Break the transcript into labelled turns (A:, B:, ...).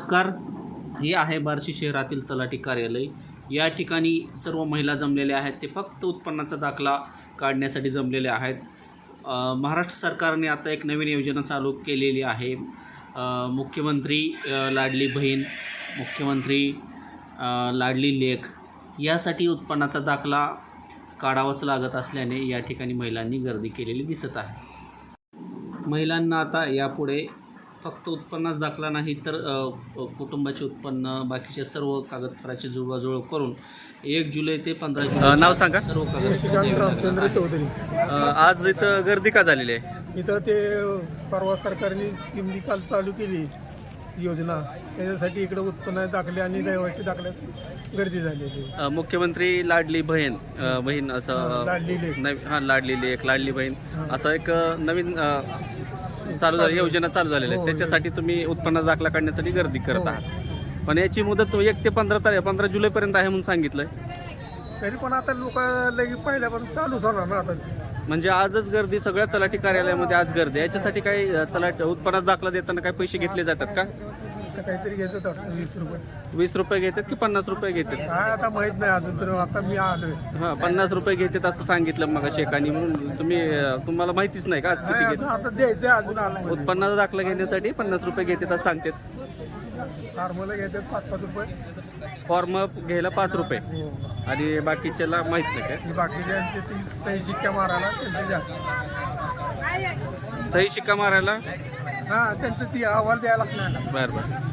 A: नमस्कार. हे आहे बार्शी शहरातील तलाठी कार्यालय. या ठिकाणी सर्व महिला जमलेल्या आहेत. ते फक्त उत्पन्नाचा दाखला काढण्यासाठी जमलेले आहेत. महाराष्ट्र सरकारने आता एक नवीन योजना चालू केलेली आहे. मुख्यमंत्री लाडली बहीण, मुख्यमंत्री लाडली लेक यासाठी उत्पन्नाचा दाखला काढावाच लागत असल्याने या ठिकाणी महिलांनी गर्दी केलेली दिसत आहे. महिलांना आता यापुढे फक्त उत्पन्नाच दाखला नाही तर कुटुंबाचे उत्पन्न, बाकीचे सर्व कागदपत्राची जुळवाजुळव करून 1 जुलै ते 15 जुलै
B: नाव सांगा.
A: सर्व
C: रामचंद्र चौधरी.
B: आज इथं गर्दी का झालेली आहे?
C: इथं ते परवा सरकारने स्कीम निकाल चालू केली योजना, त्याच्यासाठी इकडे उत्पन्न दाखले आणि रहिवासी दाखल्यात गर्दी झालेली.
B: मुख्यमंत्री लाडली बहीण असं
C: लाडली लेक.
B: लाडली लेक, लाडली बहीण असं एक नवीन चालू झाली योजना चालू झालेली आहे. त्याच्यासाठी तुम्ही उत्पन्न दाखला काढण्यासाठी गर्दी करत आहात. पण याची मुदत 1 ते 15 जुलैपर्यंत आहे म्हणून सांगितलंय.
C: तरी पण आता लोक लगेच पहिल्यापासून चालू होणार ना आता.
B: म्हणजे आजच गर्दी सगळ्या तलाठी कार्यालयामध्ये आज गर्दी. याच्यासाठी काही उत्पन्नाचा दाखला देताना काही पैसे घेतले जातात का?
C: तर काहीतरी घेतात वाटतं 20 रुपये.
B: 20 रुपये घेतात की 50 रुपये घेतात?
C: काय आता माहित नाही अजून, तर आता मी आलोय.
B: 50 रुपये घेतात असं सांगितलं मग शेकानी. म्हणून तुम्हाला माहितीच नाही का आज किती घेतात?
C: आता द्यायचं अजून आलं.
B: उत्पन्नाचा दाखला घेण्यासाठी 50 रुपये घेतात असं सांगतात.
C: फार्मला घेतात 5-5 रुपये.
B: फॉर्म घ्यायला 5 रुपये आणि बाकीच्याला माहित नाही काय?
C: बाकीच्यांचे ती सही शिक्का मारायला त्यांचे जास्त.
B: सही शिक्का मारायला
C: हा, त्यांचं ती अहवाल द्यायला लागणार.
B: बरं.